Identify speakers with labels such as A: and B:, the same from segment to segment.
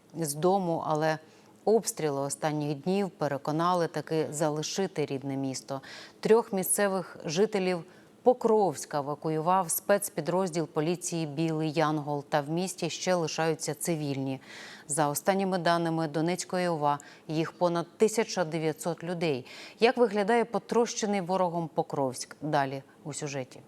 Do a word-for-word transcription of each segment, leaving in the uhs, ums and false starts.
A: з дому, але обстріли останніх днів переконали таки залишити рідне місто. Трьох місцевих жителів Покровська евакуював спецпідрозділ поліції «Білий Янгол», та в місті ще лишаються цивільні. За останніми даними Донецької ОВА, їх понад тисяча дев'ятсот людей. Як виглядає потрощений ворогом Покровськ? Далі у сюжеті.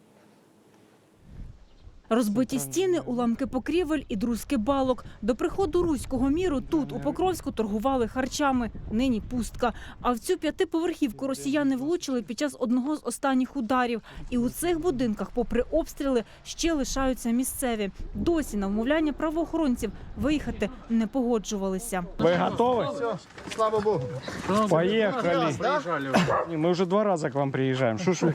B: Розбиті стіни, уламки покрівель і друзки балок. До приходу руського міру тут, у Покровську, торгували харчами. Нині пустка. А в цю п'ятиповерхівку росіяни влучили під час одного з останніх ударів. І у цих будинках, попри обстріли, ще лишаються місцеві. Досі на вмовляння правоохоронців виїхати не погоджувалися.
C: Ви готові?
D: Слава Богу.
C: Поїхали. Ми вже два рази к вам приїжджаємо. Що ж ви?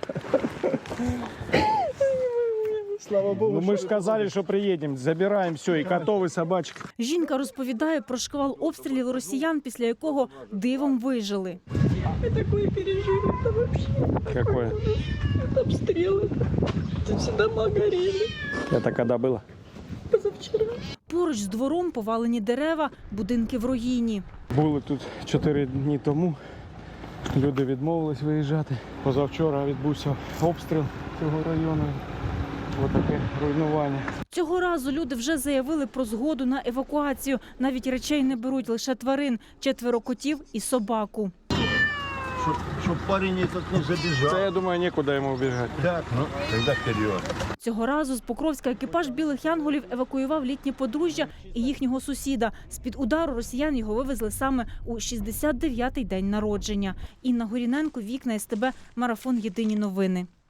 D: Слава Богу.
C: Ну, ми ж сказали, що приїдемо, забираємо все, і котов, і собачок.
B: Жінка розповідає про шквал обстрілів росіян, після якого дивом вижили.
E: Мы такое пережили, это вообще.
C: Какое?
E: Это обстрелы. Это все дома горели.
C: Это когда было?
E: Позавчера.
B: Поруч з двором повалені дерева, будинки в руїні.
C: Були тут чотири дні тому. Люди відмовились виїжджати. Позавчора відбувся обстріл цього району. Ось таке руйнування.
B: Цього разу люди вже заявили про згоду на евакуацію. Навіть речей не беруть, лише тварин. Четверо котів і собаку.
D: Чтоб, чтоб парень этот не забежал.
C: Це, я думаю, нікуди йому убігати.
D: Так, ну, тогда вперед.
B: Цього разу з Покровська екіпаж «Білих Янголів» евакуював літнє подружжя і їхнього сусіда. З-під удару росіян його вивезли саме у шістдесят дев'ятий день народження. Інна Горіненко, Вікна СТБ, Марафон. Єдині новини.